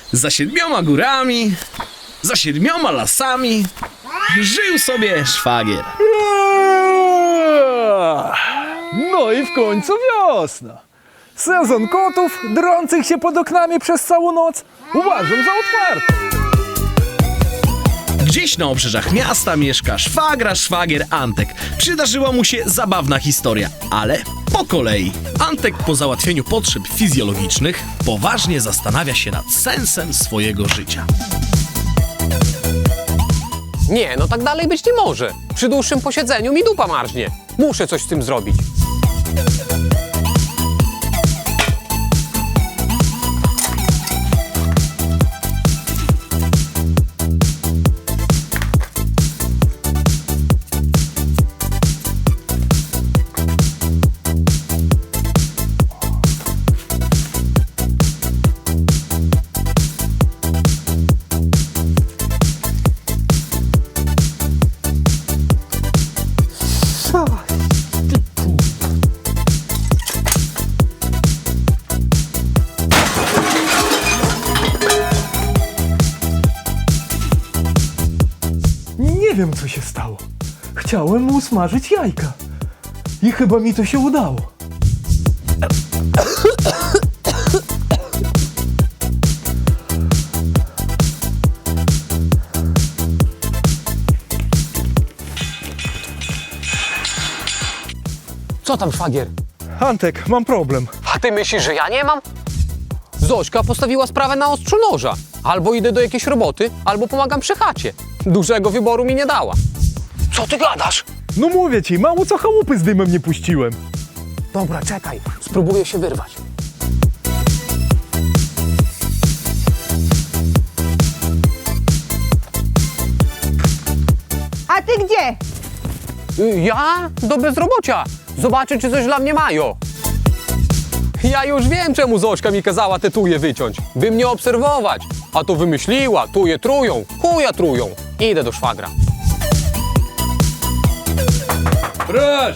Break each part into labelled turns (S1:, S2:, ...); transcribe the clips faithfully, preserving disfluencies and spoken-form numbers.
S1: Za siedmioma górami, za siedmioma lasami żył sobie szwagier.
S2: No i w końcu wiosna. Sezon kotów drących się pod oknami przez całą noc uważam za otwarty.
S1: Gdzieś na obrzeżach miasta mieszka szwagra szwagier Antek. Przydarzyła mu się zabawna historia, ale po kolei. Antek po załatwieniu potrzeb fizjologicznych poważnie zastanawia się nad sensem swojego życia.
S3: Nie, no tak dalej być nie może. Przy dłuższym posiedzeniu mi dupa marznie. Muszę coś z tym zrobić.
S2: Nie wiem, co się stało. Chciałem mu usmażyć jajka. I chyba mi to się udało.
S3: Co tam, szwagier?
S2: Antek, mam problem.
S3: A ty myślisz, że ja nie mam? Zośka postawiła sprawę na ostrzu noża. Albo idę do jakiejś roboty, albo pomagam przy chacie. Dużego wyboru mi nie dała. Co ty gadasz?
S2: No mówię ci, mało co chałupy z dymem nie puściłem.
S3: Dobra, czekaj. Spróbuję się wyrwać.
S4: A ty gdzie?
S3: Y, Ja? Do bezrobocia. Zobaczę, czy coś dla mnie mają. Ja już wiem, czemu Zośka mi kazała te tuje wyciąć. By mnie obserwować. A to wymyśliła, tuje trują, chuja trują. Idę do szwagra.
S2: Proszę!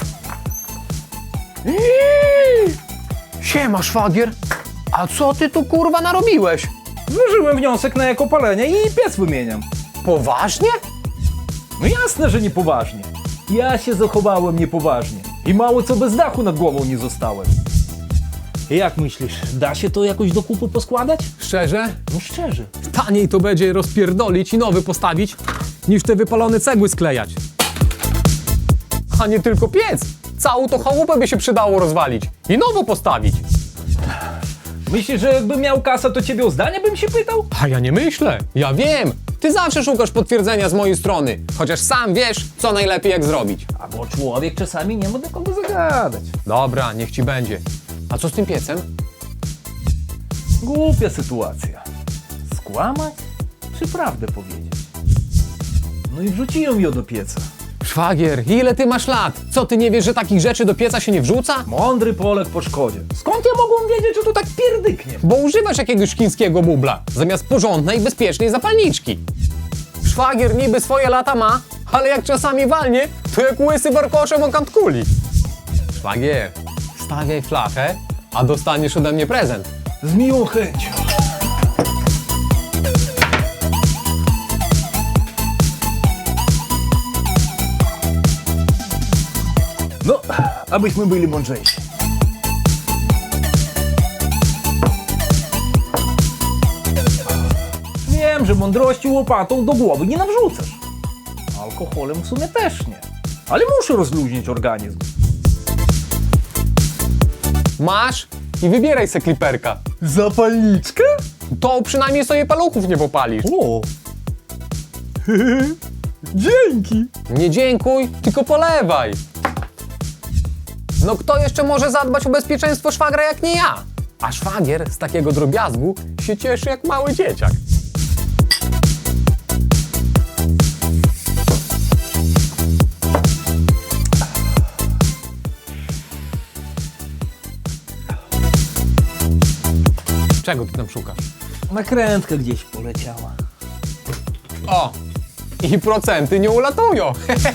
S3: Siema, szwagier. A co ty tu kurwa narobiłeś?
S2: Złożyłem wniosek na ekopalenie i piec wymieniam.
S3: Poważnie?
S2: No jasne, że niepoważnie. Ja się zachowałem niepoważnie. I mało co bez dachu nad głową nie zostałem. Jak myślisz, da się to jakoś do kupy poskładać?
S3: Szczerze?
S2: No szczerze.
S3: Taniej to będzie rozpierdolić i nowy postawić, niż te wypalone cegły sklejać. A nie tylko piec. Całą to chałupę by się przydało rozwalić i nowo postawić.
S2: Myślisz, że jakbym miał kasę, to ciebie o zdanie bym się pytał?
S3: A ja nie myślę. Ja wiem. Ty zawsze szukasz potwierdzenia z mojej strony, chociaż sam wiesz, co najlepiej jak zrobić.
S2: A bo człowiek czasami nie ma do kogo zagadać.
S3: Dobra, niech ci będzie. A co z tym piecem?
S2: Głupia sytuacja. Skłamać czy prawdę powiedzieć? No i wrzuciłem ją do pieca.
S3: Szwagier, ile ty masz lat? Co, ty nie wiesz, że takich rzeczy do pieca się nie wrzuca?
S2: Mądry Polek po szkodzie. Skąd ja mogłem wiedzieć, że to tak pierdyknie?
S3: Bo używasz jakiegoś chińskiego bubla, zamiast porządnej, bezpiecznej zapalniczki. Szwagier niby swoje lata ma, ale jak czasami walnie, to jak łysy warkoszem o kant kuli. Szwagier, stawiaj flachę, a dostaniesz ode mnie prezent.
S2: Z miłą chęcią. No, abyśmy byli mądrzejsi. Wiem, że mądrości łopatą do głowy nie nawrzucasz. Alkoholem w sumie też nie. Ale muszę rozluźnić organizm.
S3: Masz i wybieraj se kliperka.
S2: Zapalniczkę?
S3: To przynajmniej sobie paluchów nie popalisz.
S2: O! Dzięki!
S3: Nie dziękuj, tylko polewaj. No kto jeszcze może zadbać o bezpieczeństwo szwagra jak nie ja? A szwagier z takiego drobiazgu się cieszy jak mały dzieciak. Czego ty tam szukasz?
S2: Nakrętka gdzieś poleciała.
S3: O! I procenty nie ulatują.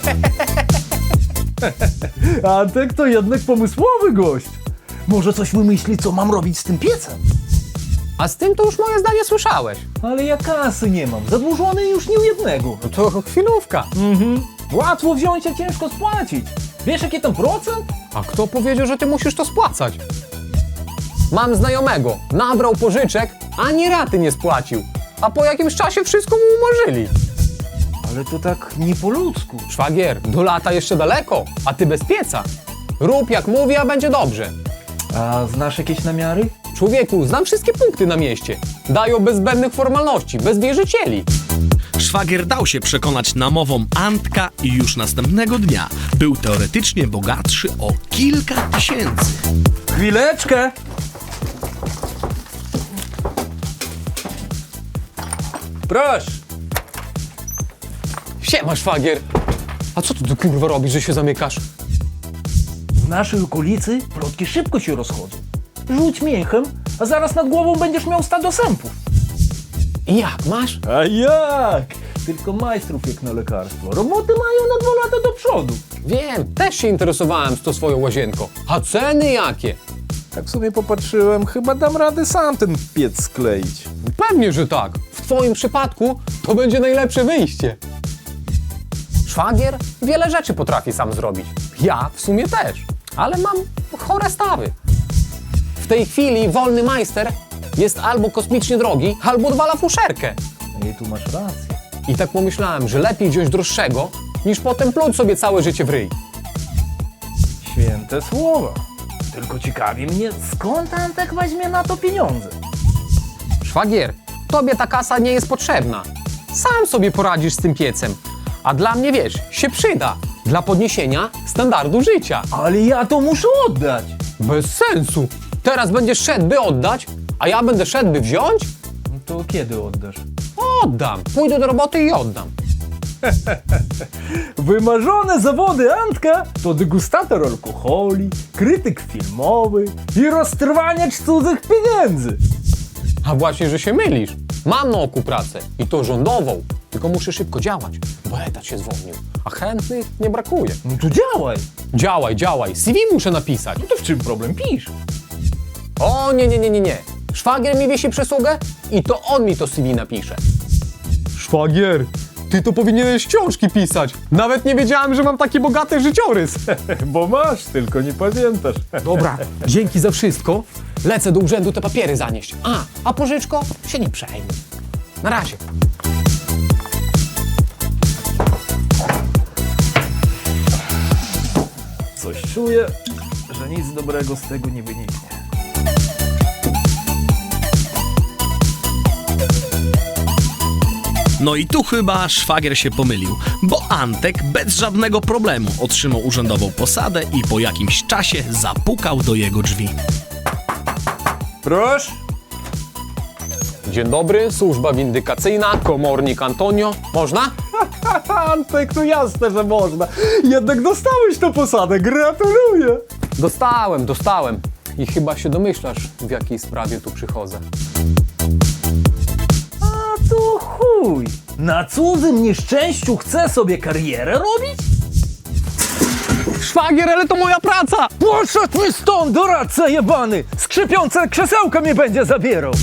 S2: Antek to jednak pomysłowy gość. Może coś wymyśli, co mam robić z tym piecem?
S3: A z tym to już moje zdanie słyszałeś.
S2: Ale ja kasy nie mam, zadłużony już nie u jednego.
S3: No to chwilówka.
S2: Mhm. Łatwo wziąć, a ciężko spłacić. Wiesz jaki tam procent?
S3: A kto powiedział, że ty musisz to spłacać? Mam znajomego, nabrał pożyczek, ani raty nie spłacił. A po jakimś czasie wszystko mu umorzyli.
S2: Ale to tak nie po ludzku.
S3: Szwagier, do lata jeszcze daleko, a ty bez pieca. Rób jak mówię, a będzie dobrze.
S2: A znasz jakieś namiary?
S3: Człowieku, znam wszystkie punkty na mieście. Dają bez zbędnych formalności, bez wierzycieli.
S1: Szwagier dał się przekonać namową Antka i już następnego dnia był teoretycznie bogatszy o kilka tysięcy.
S2: Chwileczkę! Proszę!
S3: Siema, szwagier. A co ty tu kurwa robisz, że się zamykasz?
S2: W naszej okolicy plotki szybko się rozchodzą. Rzuć mięchem, a zaraz nad głową będziesz miał stado sępów.
S3: I jak, masz?
S2: A jak? Tylko majstrów jak na lekarstwo. Roboty mają na dwa lata do przodu.
S3: Wiem, też się interesowałem z tą swoją łazienką. A ceny jakie?
S4: Tak sobie popatrzyłem, chyba dam radę sam ten piec skleić.
S3: Pewnie, że tak. W twoim przypadku to będzie najlepsze wyjście. Szwagier wiele rzeczy potrafi sam zrobić. Ja w sumie też, ale mam chore stawy. W tej chwili wolny majster jest albo kosmicznie drogi, albo odwala fuszerkę.
S2: No i tu masz rację.
S3: I tak pomyślałem, że lepiej wziąć droższego, niż potem pluć sobie całe życie w ryj.
S2: Święte słowa. Tylko ciekawi mnie, skąd Antek weźmie na to pieniądze?
S3: Szwagier, tobie ta kasa nie jest potrzebna. Sam sobie poradzisz z tym piecem. A dla mnie, wiesz, się przyda. Dla podniesienia standardu życia.
S2: Ale ja to muszę oddać.
S3: Bez sensu. Teraz będziesz szedł, by oddać, a ja będę szedł, by wziąć?
S2: No to kiedy oddasz?
S3: Oddam. Pójdę do roboty i oddam.
S2: Wymarzone zawody Antka to degustator alkoholi, krytyk filmowy i roztrwaniacz cudzych pieniędzy.
S3: A właśnie, że się mylisz. Mam na oku pracę i to rządową. Tylko muszę szybko działać, bo etat się zwolnił. A chętnych nie brakuje.
S2: No to działaj.
S3: Działaj, działaj. C V muszę napisać.
S2: No to w czym problem? Pisz.
S3: O nie, nie, nie, nie, nie. Szwagier mi wiesi przysługę i to on mi to C V napisze. Szwagier, ty to powinieneś książki pisać. Nawet nie wiedziałem, że mam taki bogaty życiorys.
S4: Bo masz, tylko nie pamiętasz.
S3: Dobra, dzięki za wszystko. Lecę do urzędu te papiery zanieść. A, a pożyczko się nie przejmuj. Na razie.
S2: Coś czuję, że nic dobrego z tego nie wyniknie.
S1: No i tu chyba szwagier się pomylił, bo Antek bez żadnego problemu otrzymał urzędową posadę i po jakimś czasie zapukał do jego drzwi.
S4: Proszę.
S3: Dzień dobry, służba windykacyjna, komornik Antonio. Można?
S4: Antek, no jasne, że można. Jednak dostałeś tę posadę, gratuluję.
S3: Dostałem, dostałem. I chyba się domyślasz, w jakiej sprawie tu przychodzę.
S2: A to chuj. Na cudzym nieszczęściu chce sobie karierę robić?
S3: Szwagier, ale to moja praca!
S2: Poszedł mi stąd, doradca jebany! Skrzypiące krzesełka mnie będzie zabierał!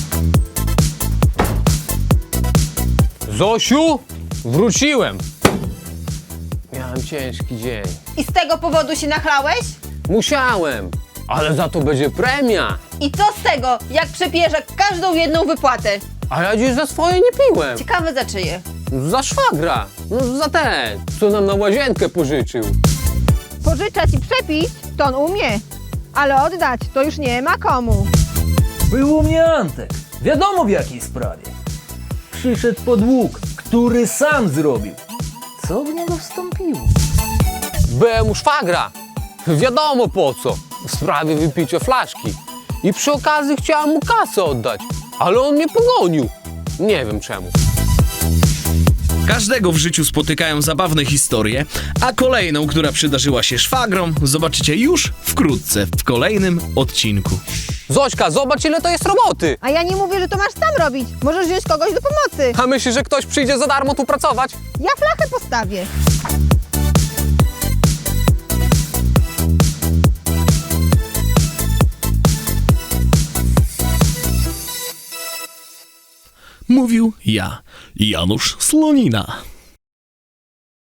S3: Zosiu, wróciłem. Miałem ciężki dzień.
S5: I z tego powodu się nachlałeś?
S3: Musiałem, ale za to będzie premia.
S5: I co z tego, jak przepijesz każdą jedną wypłatę?
S3: A ja dziś za swoje nie piłem.
S5: Ciekawe za czyje.
S3: Za szwagra. No, za ten, co nam na łazienkę pożyczył.
S6: Pożyczać i przepić to on umie, ale oddać to już nie ma komu.
S2: Był u mnie Antek. Wiadomo w jakiej sprawie. Przyszedł po dług, który sam zrobił. Co w niego wstąpiło?
S3: Byłem u szwagra. Wiadomo po co. W sprawie wypicia flaszki. I przy okazji chciałem mu kasę oddać, ale on mnie pogonił. Nie wiem czemu.
S1: Każdego w życiu spotykają zabawne historie, a kolejną, która przydarzyła się szwagrom, zobaczycie już wkrótce w kolejnym odcinku.
S3: Zośka, zobacz ile to jest roboty.
S6: A ja nie mówię, że to masz sam robić. Możesz wziąć kogoś do pomocy.
S3: A myślisz, że ktoś przyjdzie za darmo tu pracować?
S6: Ja flachę postawię.
S1: Mówił ja, Janusz Slonina.